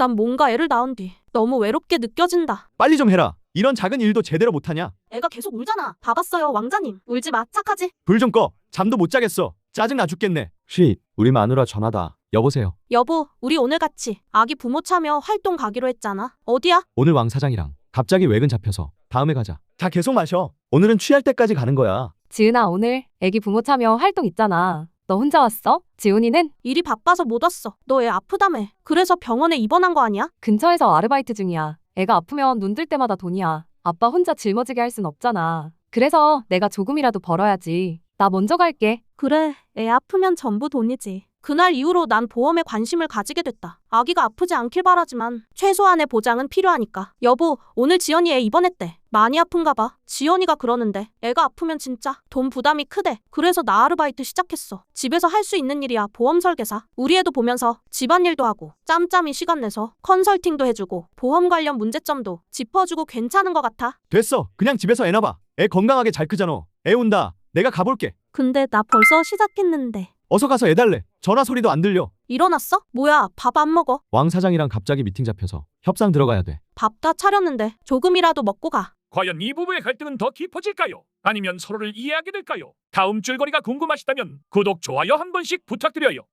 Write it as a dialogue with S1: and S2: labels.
S1: 난 뭔가 애를 낳은 뒤 너무 외롭게 느껴진다.
S2: 빨리 좀 해라. 이런 작은 일도 제대로 못하냐?
S1: 애가 계속 울잖아. 봐봤어요, 왕자님. 울지 마, 착하지?
S2: 불 좀 꺼. 잠도 못 자겠어. 짜증나 죽겠네. 쉿. 우리 마누라 전화다. 여보세요.
S1: 여보, 우리 오늘 같이 아기 부모 참여 활동 가기로 했잖아. 어디야?
S2: 오늘 왕 사장이랑 갑자기 외근 잡혀서 다음에 가자. 다 계속 마셔. 오늘은 취할 때까지 가는 거야.
S3: 지은아, 오늘 애기 부모 참여 활동 있잖아. 너 혼자 왔어? 지훈이는
S1: 일이 바빠서 못 왔어. 너 애 아프다며. 그래서 병원에 입원한 거 아니야?
S3: 근처에서 아르바이트 중이야. 애가 아프면 눈 뜰 때마다 돈이야. 아빠 혼자 짊어지게 할 순 없잖아. 그래서 내가 조금이라도 벌어야지. 나 먼저 갈게.
S1: 그래, 애 아프면 전부 돈이지. 그날 이후로 난 보험에 관심을 가지게 됐다. 아기가 아프지 않길 바라지만 최소한의 보장은 필요하니까. 여보, 오늘 지연이 애 입원했대. 많이 아픈가 봐. 지연이가 그러는데 애가 아프면 진짜 돈 부담이 크대. 그래서 나 아르바이트 시작했어. 집에서 할 수 있는 일이야. 보험 설계사. 우리 애도 보면서 집안일도 하고 짬짬이 시간 내서 컨설팅도 해주고 보험 관련 문제점도 짚어주고 괜찮은 것 같아.
S2: 됐어. 그냥 집에서 애 낳아봐. 애 건강하게 잘 크잖아. 애 온다. 내가 가볼게.
S1: 근데 나 벌써 시작했는데.
S2: 어서 가서 애 달래. 전화 소리도 안 들려.
S1: 일어났어? 뭐야, 밥 안 먹어?
S2: 왕 사장이랑 갑자기 미팅 잡혀서 협상 들어가야 돼.
S1: 밥 다 차렸는데 조금이라도 먹고 가.
S4: 과연 이 부부의 갈등은 더 깊어질까요? 아니면 서로를 이해하게 될까요? 다음 줄거리가 궁금하시다면 구독, 좋아요 한 번씩 부탁드려요.